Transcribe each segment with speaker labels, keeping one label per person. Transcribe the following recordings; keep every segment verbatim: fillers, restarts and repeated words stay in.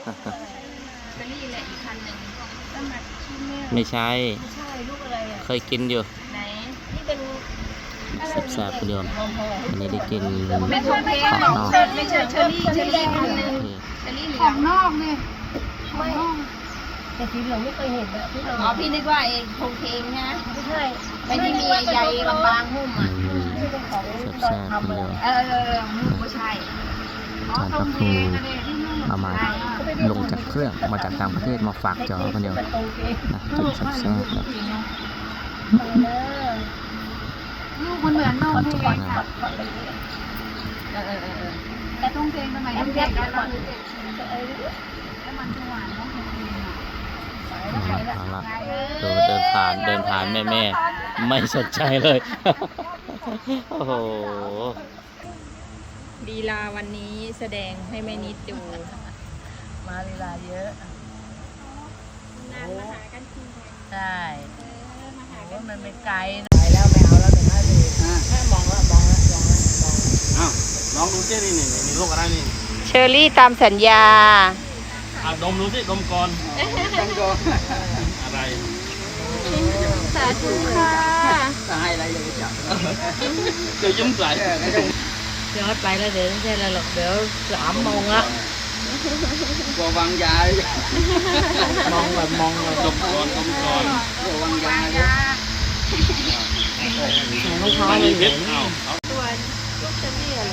Speaker 1: เชอรี่แหละอีกคันหนึ่ง
Speaker 2: ไม่ใช่
Speaker 1: ไม่ใช่ลูกอะไรอ่ะ
Speaker 2: เคยกินอยู่
Speaker 1: ไหนนี่เป็น
Speaker 2: แซ่บๆคุณโยมอันนี้ได้กิน
Speaker 1: ไม่ใช่ไม่ใช่ไม่ใช่เชอรี่เชอรี่คันหนึ่งเชอรี่เหลือง
Speaker 3: นอกเนี่ยไม่
Speaker 1: แต่สีเหลืองไม่เคยเห็นแบบที่เราอ๋อพี่นึกว่าเองโคงเคงนะไม่ใช่ไม่ที่มีใยบางๆหุ้มอ่ะ
Speaker 2: แซ่บๆคุณโยม
Speaker 1: เออไม่ใช่
Speaker 2: จานพระครูเอามาลงจากเครื่องมาจากต่างประเทศมาฝากจอคนเดียวนะกินแซ่บๆเลย
Speaker 3: ลูกมันเหมือนนมเพลงค่ะ
Speaker 1: เออเออเออ
Speaker 3: แต่ต้องเพลงทำไมต้องเพลงกันก่อนแล้วมันจะหวานต้องเพลง
Speaker 2: เอาละดูเดินผ่านเดินผ่านแม่แม่ไม่สนใจเลยโอ้โห
Speaker 1: ลีลาวันนี้แสดงให้แม่นิดดู
Speaker 3: มาลีลาเยอะ
Speaker 1: นานมาหากันที
Speaker 3: ใช่
Speaker 1: มาหา
Speaker 3: ว่ามันไม่ไกลไปแล้วไม่เอาแล้วเดี๋ยวมาเลยแค่มองแล้วมองแล้วมองแล้วมอง
Speaker 4: อ้าวลองดูสินี่นี่นี่ลูกอะไรนี่
Speaker 1: เชอรี่ตามสัญญา
Speaker 4: อ่ะดมดูสิดมก่อนดมก่อนอะไร
Speaker 1: สาธุค่ะ
Speaker 3: ตายอะไรอย่าไปจับ
Speaker 4: เดี๋ยวยิ้มใส่
Speaker 3: เดี๋ยวไปแล้วเดี๋ยวไม่ใช่อะไรหรอกเดี๋ยวสามโมงละ
Speaker 4: กลัววางยามองแบบมองแบบดมก่อนดมก่อน
Speaker 3: กลัววางยาลูกค้า
Speaker 4: ไม่เห็นเอา
Speaker 1: ตัวลูกเชอรี่อะไร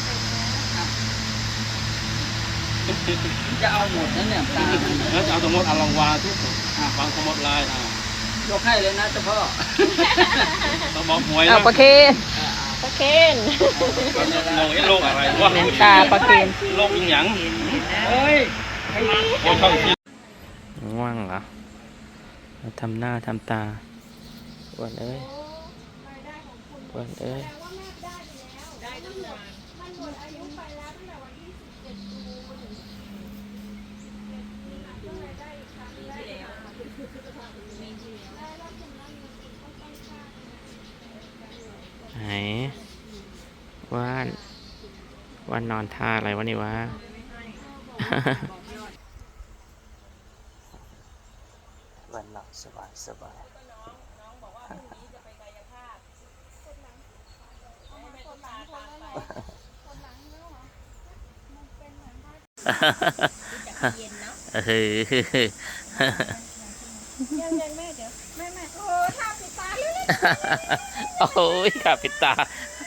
Speaker 3: จะเอาหมดนั่นเนี่ยตา
Speaker 4: แล้วจะเอาสมมติเอาลองวางทุกวางสมมติลายอ่ะ
Speaker 3: ยกให้เลยนะเจ้าพ่อ
Speaker 4: ต้องบอกหวยนะ
Speaker 1: เอาปลาเคนปลาเคน
Speaker 4: มองไอ้โลกอะไรวะ
Speaker 1: ตาปลาเคน
Speaker 4: โลกอีหยังเฮ้ยโอ้ยช่องคิด
Speaker 2: ง่วงเหรอทำหน้าทำตาวันเอ้ยวันเอ้ยไหนว่านว่านนอนท่าอะไรวะนี่วะวันหลับสบายสบายเฮ้ย
Speaker 1: ยังยังแม่เดี๋ยวแม่แม่โอ้ข้าปิดตาเลย
Speaker 2: โอ้ยข้าปิดตา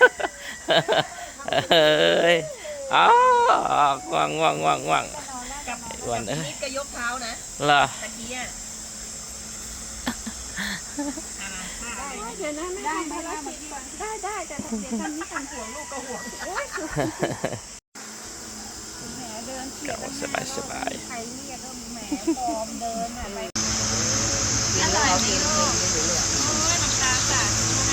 Speaker 2: เฮ้ยอ๋อว่างว่างว่างว่างวันเอ้ย
Speaker 1: ก็ยกเท้านะ
Speaker 2: เหรอ
Speaker 1: ตะกี้อ่ะเดี๋ยวนะไม่ได้ไม่ได้ได้ได้แต่เดี๋ยวทำนี้ทำห่วงลูกก็ห่วง
Speaker 2: เก่าสบายสบาย
Speaker 1: ใครเรียกก็แหมปลอมเดินอะไรอร่อยดีลูกโอ้ยน้ำตาสาด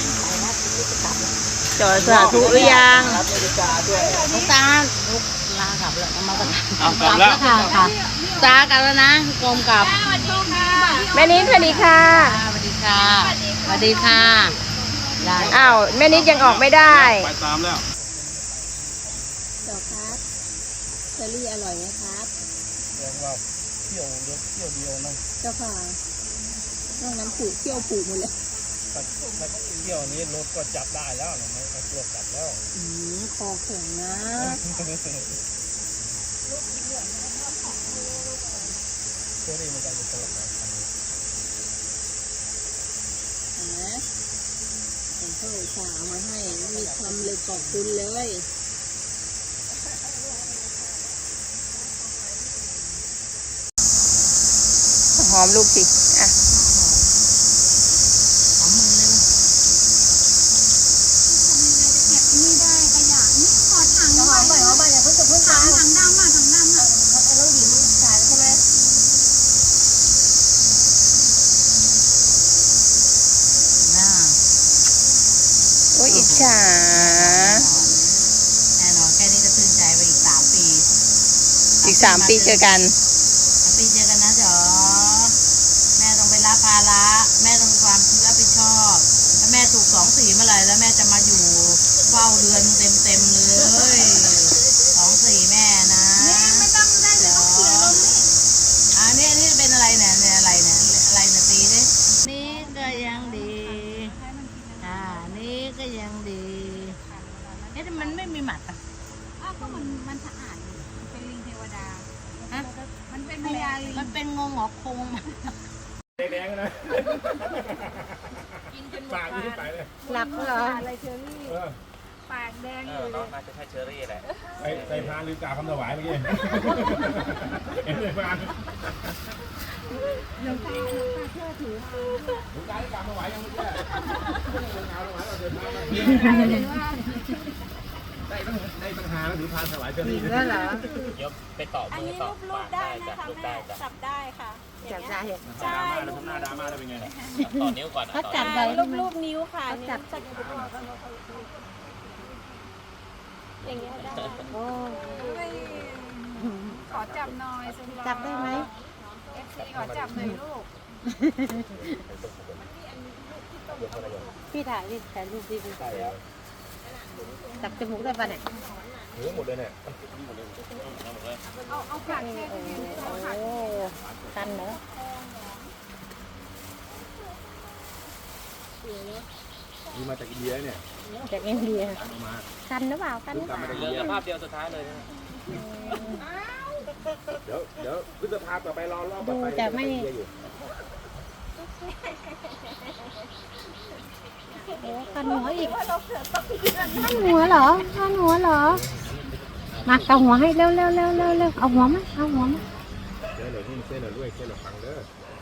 Speaker 1: จอดสาธุหรือยัง
Speaker 3: น้ำตาลูกลากลับแล้วมากัน
Speaker 4: กลับแล้ว
Speaker 3: ค่ะค่ะตากลับแล้วนะกรมกลับ
Speaker 1: แม่นิดสวัสดีค่ะ
Speaker 3: สวัสดีค่ะสวัสดีค่ะ
Speaker 1: อ้าวแม่นิดยังออกไม่ได้
Speaker 4: ไปตามแล้ว
Speaker 1: เจ้าครับเชอรี่อร่อยไหมครับ
Speaker 4: เรียกว่าเที่ยวเดียวเที่ยวเดียวนะ
Speaker 1: เจ้าค่ะนอกนั้นผูกเที่ยวผูกหมดเลย
Speaker 4: ถ้าเที่ยวนี้รถก็จับได้แล้วนะไม่ตัวจับแล้ว
Speaker 1: อืมคอแข็งนะ
Speaker 4: เที่ยวนี้มันจะอยู่ตลอดนะ
Speaker 1: ผมเพิ่งฝากมาให้มีคำเลยขอบคุณเลยหอมลูกสิอ่ะ
Speaker 3: หอมมือเลยนี่ได้ขยะนี่ขอถังหอมไปหอมไปอย่าเพิ่งจะเพิ่งถังถังดำอ่ะถังดำอ่ะแล้วหญิงขายใช่ไหมน่า
Speaker 1: โอ้ยอิจฉา
Speaker 3: แน่นอนแค่นี้ก็ตื่นใจไปอีกสามปี
Speaker 1: อีกสามปีเจอกัน
Speaker 3: ปีเจอกันนะจ๋อแม่ต้องไปรับภาระแม่ต้องมีความรับผิดชอบถ้าแม่ถูกสองสี่เมื่อไหร่แล้วแม่จะมาอยู่เฝ้าเดือนเต็มเต็มเลยสองสี่แม่นะไม่ต้องได้เดี๋ยวเขาเขียนลงนี่มันเป็นงงหงอคง
Speaker 5: แดงๆนะ
Speaker 3: กินจนหมด
Speaker 5: ปากนี่ไปเลย
Speaker 1: หลับเหรอ
Speaker 5: เออ
Speaker 1: ปากแดง
Speaker 4: เอ
Speaker 1: อยู่
Speaker 4: อน้องน่าจะใช่เชอรี่แหละ
Speaker 5: ใส่ใส่พานหรือกาคำถวายเมื่อกี้เห็นใส่พานหลวงตาหลวงตาเชื่อถือหลวงตาได้กาถวายยังไม่แก่หลวงตาถวายเราเดินทางมาได้ตั้งได้ตั้งหาแล้วถือพานถวายเจ้านี่
Speaker 1: แล้วเหรอ
Speaker 4: เดี๋ยวไปต่อมือต่อปากได้จ้ะรูปได้จ้ะ
Speaker 6: จับได้ค่ะ
Speaker 1: จับได้
Speaker 5: ดราม่าแล้วทำหน้าดราม่าได้เป็นไง
Speaker 4: ต่อนิ้วก่อน
Speaker 1: เขาจับ
Speaker 6: ได้
Speaker 1: ได้
Speaker 6: รูปรูปนิ้วค่ะ
Speaker 1: เขาจับ
Speaker 6: อย่างเงี้ยได้
Speaker 1: โอ้
Speaker 6: ขอจับหน่อยสุดหล่อ
Speaker 1: จับได้ไหม
Speaker 6: เอฟซีขอจับหน่อยลูก
Speaker 1: พี่ถ่ายดิถ่ายรูปดิจับจมูกได้ปะเนี่ย
Speaker 5: ถือหมดเลยเนี่ย
Speaker 6: เอาเอาปากแค่ตรงนี้เอาปาก
Speaker 1: โอ้ตันเหรอ
Speaker 5: นี่มาจากอินเดียเนี่ย
Speaker 1: จากอินเดีย
Speaker 5: เอามา
Speaker 1: กันหรือเปล่ากันหรือเปล่า
Speaker 4: เหลือภาพเดียวสุดท้ายเลยนะ
Speaker 5: เดี๋ยวเดี๋ยวพฤษภาต่อไปรอรอบต่อ
Speaker 1: ดู
Speaker 5: ไป
Speaker 1: จะไม่
Speaker 5: อยู่
Speaker 1: โอ้กันหัวอีกกันหัวเหรอกันหัวเหรอมาเอาหัวให้เร็วเร็วเร็วเร็วเร็วเอาหัวมาเอาหัวมา
Speaker 5: เส้นเหลือนี่เส้นเหลือด้วยเส้นเหลือฟังเด้อ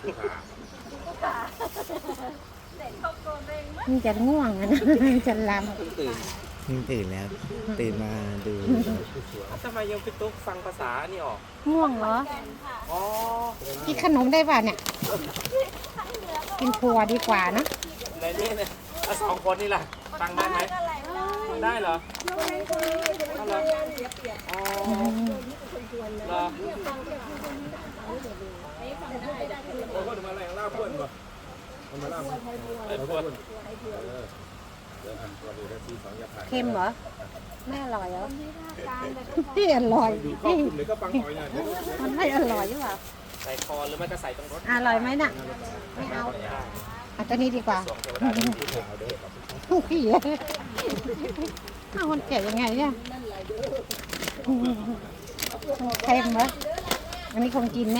Speaker 1: มันจะง่วงอ่ะนะจะล
Speaker 4: ตื่น
Speaker 2: นี่ตื่นแล้ว ตื่นมาดู
Speaker 4: ทำไมยังพี่ตุ๊กฟังภาษานี่ออก
Speaker 1: ำง่วงเหรอ
Speaker 4: อ๋อ
Speaker 1: กินขนมได้ป่ะเนี่ยกินถั่วดีกว่านะ
Speaker 4: ในนี้เนี่ยสองคนนี่แหละฟังได้ไหมได้เหรอเอาเหรออ๋อเหรอ
Speaker 5: โอ้ก็ถึงมาแรงล่าเพื่อนก่อนมันมาล่าเพื่อน
Speaker 4: ไอ้พวก
Speaker 5: เดี๋ยวอันตัวนี้ได้ที่สองยาผ่าน
Speaker 1: เค็มเหรอไม่อร่อยเหรอที่อร่อย
Speaker 5: ดูข้อคุณเลยก็ฟังหน่อยนะ
Speaker 1: มันไม่อร่อยหรือเปล่า
Speaker 4: ใส่คอหรือไม่ก็ใส่ตรงรถ
Speaker 1: อร่อยไหมน่ะไม่เอาเอาตัวนี้ดีกว่า
Speaker 4: สวงเทวดาที่ที่ถูก
Speaker 1: ผู้ขี้เอาคนแก่ยังไงเนี่ยเค็มเหรออันนี้คงกินแน่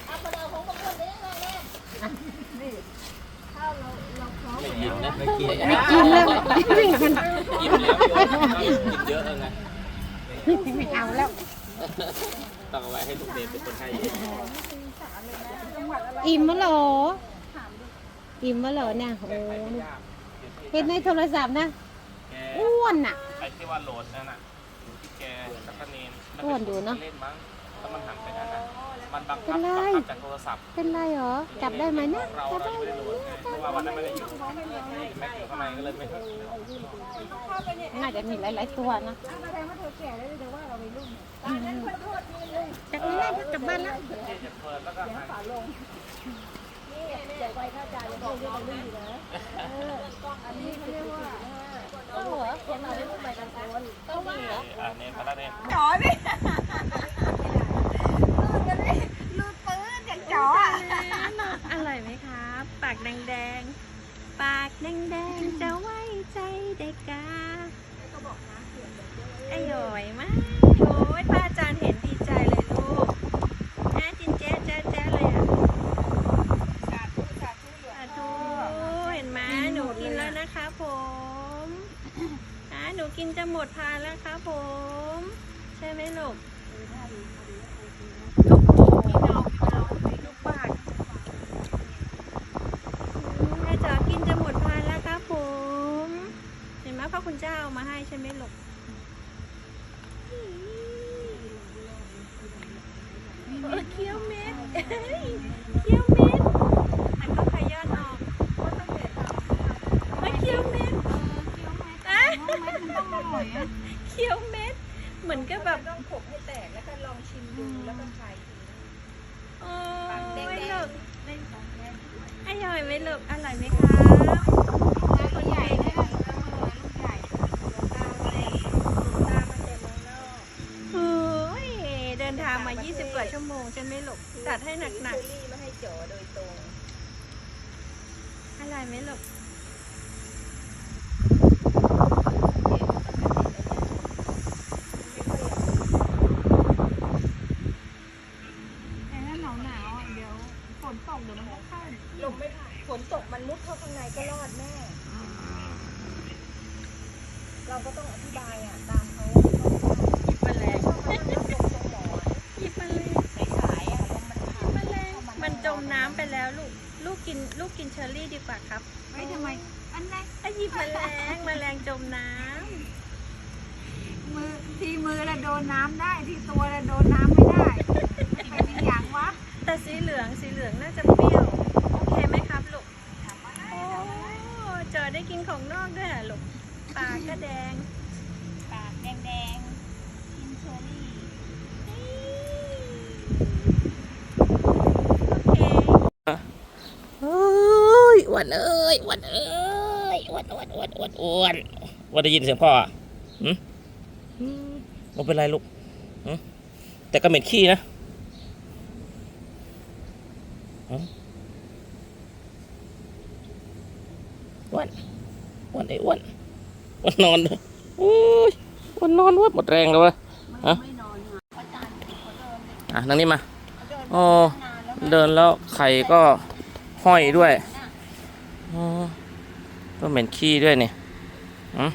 Speaker 4: ไม่กินนะไม่กิน
Speaker 1: ไม่กินแล้วไม่กิน
Speaker 4: กินแล้วกินเยอะแล้วไง
Speaker 1: ไม่เอาแล้ว
Speaker 4: ต้องเอาไว้ให้ลูกเด็กเป็นคนให้
Speaker 1: อิ่มมะเหรออิ่มมะเหรอเนี่ยโอ้เห็นในโทรศัพท์นะอ้วนอ่ะ
Speaker 4: ไอ้ที่ว่าโหลดนั่นน่ะอยู่ที่แกตะกะเนน
Speaker 1: อ้วนอยู่เนอะ
Speaker 4: เล่นมั้งแล้วมันหันไปนั่นน่ะมันบัง
Speaker 1: เป็
Speaker 4: คับ
Speaker 1: นไร
Speaker 4: บังคับจากโทรศัพท์
Speaker 1: เป็นไรเหรอจับได้ไหมเนี่ย
Speaker 4: เรา
Speaker 1: จับ
Speaker 4: เรา
Speaker 1: ได้
Speaker 4: ยังไม่ได้โหลดไงเพราะว่าวันนั้นไม่ได้อยู่แม็กอยู่ข้างในก็เลยไม่
Speaker 1: น่าจะมีหลายๆตัวนะจากนี้ได้กลับบ้านแล้ว
Speaker 4: จะเปิดแล้วก็หาย
Speaker 1: ต้องเหรอเขียนมาเป็นรูปใบตะโกนต้องมีเหรอ
Speaker 4: อ่าเนมมาแล้วเนม
Speaker 6: จ๋อดิลูกปืนอย่างจ๋ออ่ะ
Speaker 1: อร่อยไหมครับปากแดงๆปากแดงๆจะไว้ใจได้กาอร่อยมากโอ้ยป้าอาจารย์เห็นดีใจเลยลูกน่าจินแจ๊ะแจ๊ะแจ๊ะเลยอ่ะ
Speaker 6: สาธุสาธุเหลือ
Speaker 1: สาธุเห็นไหมหนูกินแล้วนะคะผมอ่ะหนูกินจะหมดพานแล้วครับผมใช่ไหมลูกลูกปากแม่จ๋ากินจะหมดพานแล้วครับผมเห็นไหมพ่อคุณเจ้าเอามาให้ใช่ไหมลูกเออเคี้ยวเม็ดเคี้ยวเม็ดมันก็ขย้อนออกไม่เคี้ยวเม็ดอ่ะเคี้ยวเม็ดเหมือนก็แบบ
Speaker 6: ต้องขบให้แตกแล้วก็ลองชิมดูแล้วก็คลายที
Speaker 1: โอ้ยลูกอร่อยไหมลูกอร่อยไหมครับ
Speaker 6: ตัวใหญ่ได้ลูกใหญ่ตาอะไรตามันจะมองนอก
Speaker 1: โอ้ยเดินทางมายี่สิบกว่าชั่วโมงใช่ไหมลูกจัดให้หนัก
Speaker 6: เชอรี่มาให้จ๋อโดยตรง
Speaker 1: ๆอร่อยไหมลูก
Speaker 6: แต่ถ้าหนาวหนาวอ่ะเดี๋ยว
Speaker 1: ลมไม่ผ่านฝนตกมันมุดเข้าข้างในก็รอดแม่ เราก็ต้องอธิบายอ่ะตามเขาหยิบแมลงหยิบแมลงสายๆอ่ะลมมันผ่านแมลงมันจมน้ำไปแล้วลูกลูกกินลูกกินเชอร์รี่ดีกว่าครับ
Speaker 6: ไม่ทำไมอันไหน
Speaker 1: ไอ้หยิบแมลงแมลงจมน้
Speaker 6: มือที่มือละโดนน้ำได้ที่ตัวละโดนน้ำไม่ได้ใครเป็นอย่างวะ
Speaker 1: ำแต่สีเหลืองสีเหลืองน่าจะเปรี้ยวโอเคไหมครับลูกโอ้เจอได้กินของนอกด้วยเหรอลูกปากก็แดง
Speaker 6: ปากแดงๆกินเชอรี่
Speaker 1: โอเค
Speaker 2: เอ้ยอ้วนเอ้ยอ้วนเอ้ยอ้วนอ้วนอ้วนอ้วนอ้วนว่าได้ยินเสียงพ่ออ่ะหืมไม่เป็นไรลูกหืมแต่ก็เหม็นขี้นะหืมอ้วนอ้วนไอ้อ้วนอ้วนนอนเลยโอ้ยอ้วนนอนอ้วนหมดแรงแล้ววะฮะอ่ะนั่งนี่มาอ๋อเดินแล้วไข่ก็ห้อยด้วยอ๋อก็เหม็นขี้ด้วยเนี่ยอืม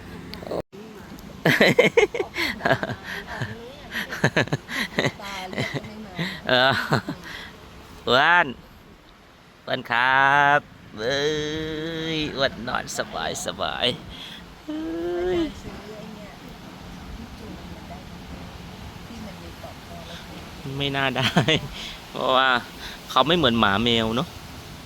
Speaker 2: เอออ้วนอ้วนครับเอ้ยอ้วนนอนสบายสบายเอ้ยไม่น่าได้ เพราะว่าเขาไม่เหมือนหมาแมวเนาะ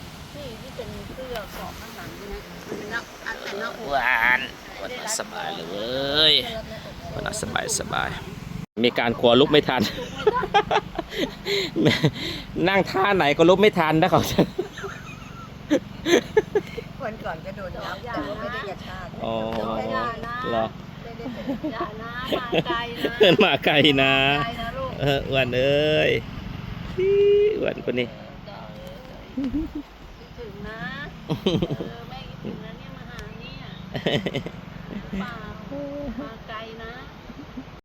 Speaker 2: อ้วนอ้วนนอนสบายเลยเว้ยอ้วนนอนสบายสบายมีการกลัวลุกไม่ทัน นั่งท่าไหนก็ลุกไม่ทันนะเขา
Speaker 1: วันก่อนก็โดนน้ำแต่ว่าไม่ได้กระชาก
Speaker 2: อ๋อเหรอ
Speaker 1: อย่านะมาไกลนะ
Speaker 2: เพื่อนมาไกลนะ
Speaker 1: ไกลนะลูก
Speaker 2: เอออ้วนเอ้ยอี้อ้วนคนนี้
Speaker 1: ถึงนะเออแม่คิดถึงนะเนี่ยมาหาเนี่ยเปล่ามาไกลนะ